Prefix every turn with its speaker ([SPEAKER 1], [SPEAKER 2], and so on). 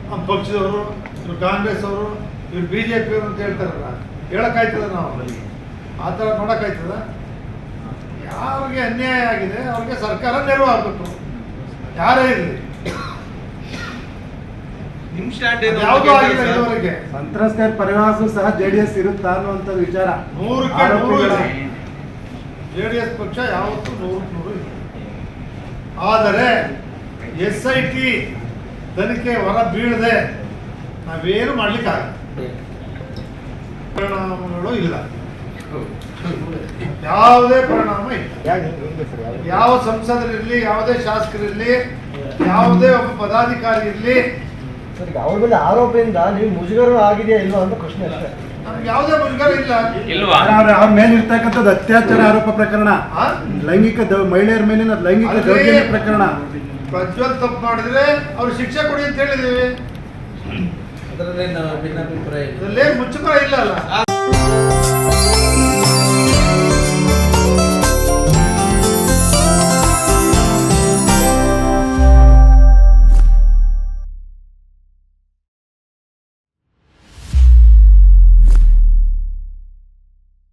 [SPEAKER 1] ನಮ್ಮ ಪಕ್ಷದವರು, ಇವ್ರು ಕಾಂಗ್ರೆಸ್ ಅವರು, ಇವ್ರು BJP ಅವರು ಅಂತ ಹೇಳ್ತಾರಲ್ಲ, ಹೇಳಕ್ಕಾಯ್ತದ ನಾವು? ಆ ಥರ ನೋಡೋಕ್ಕಾಯ್ತದ? ಯಾರಿಗೆ ಅನ್ಯಾಯ ಆಗಿದೆ ಅವ್ರಿಗೆ ಸರ್ಕಾರ ನೆರವು ಆಗಬೇಕು, ಯಾರೇ ಇರಲಿ. ಯಾವುದೂ ಆಗಿಲ್ಲ ಇದುವರೆಗೆ.
[SPEAKER 2] ಸಂತ್ರಸ್ತರ ಪರಿವಾರಕ್ಕೂ ಸಹ JDS ಇರುತ್ತಾ ಅನ್ನುವಂಥ ವಿಚಾರ
[SPEAKER 1] 100ಕ್ಕೆ 100 ಇದೆ. JDS ಪಕ್ಷ ಯಾವತ್ತೂ 100ಕ್ಕೆ 100 ಇದೆ. ಆದರೆ SIT ತನಿಖೆ ಹೊರ ಬೀಳದೆ ನಾವೇನು ಮಾಡ್ಲಿಕ್ಕಾಗಲ್ಲ. ಪರಿಣಾಮಗಳು ಇಲ್ಲ, ಯಾವುದೇ ಪರಿಣಾಮ ಇಲ್ಲ. ಯಾವ ಸಂಸದರಿರಲಿ, ಯಾವುದೇ ಶಾಸಕರಿರಲಿ, ಯಾವುದೇ ಒಬ್ಬ ಪದಾಧಿಕಾರಿ ಇರಲಿ,
[SPEAKER 2] ಅವ್ರ ಮೇಲೆ ಆರೋಪದಿಂದ ನೀವು ಮುಜುಗರ ಆಗಿದೆಯಾ ಇಲ್ವಾ ಅಂತ ಪ್ರಶ್ನೆ ಅಷ್ಟೇ.
[SPEAKER 1] ನಮ್ಗೆ ಯಾವುದೇ ಮುಜುಗರ ಇಲ್ಲ.
[SPEAKER 2] ಅವ್ರ ಮೇಲೆ ಇರ್ತಕ್ಕಂಥದ್ದು ಅತ್ಯಾಚಾರ ಆರೋಪ ಪ್ರಕರಣ, ಲೈಂಗಿಕ ಮಹಿಳೆಯರ ಮೇಲಿನ ಲೈಂಗಿಕ ದೌರ್ಜನ್ಯ ಪ್ರಕರಣ.
[SPEAKER 1] ಪ್ರಜ್ವಲ್ ತಪ್ಪು ಮಾಡಿದ್ರೆ ಅವ್ರು ಶಿಕ್ಷೆ ಕೊಡಿ ಅಂತ ಹೇಳಿದ್ದೀವಿ.
[SPEAKER 3] ಅದರಲ್ಲಿ ಭಿನ್ನಾಭಿಪ್ರಾಯ
[SPEAKER 1] ಇದರಲ್ಲೇನು ಮುಚ್ಚುಮರ ಇಲ್ಲ ಅಲ್ಲ.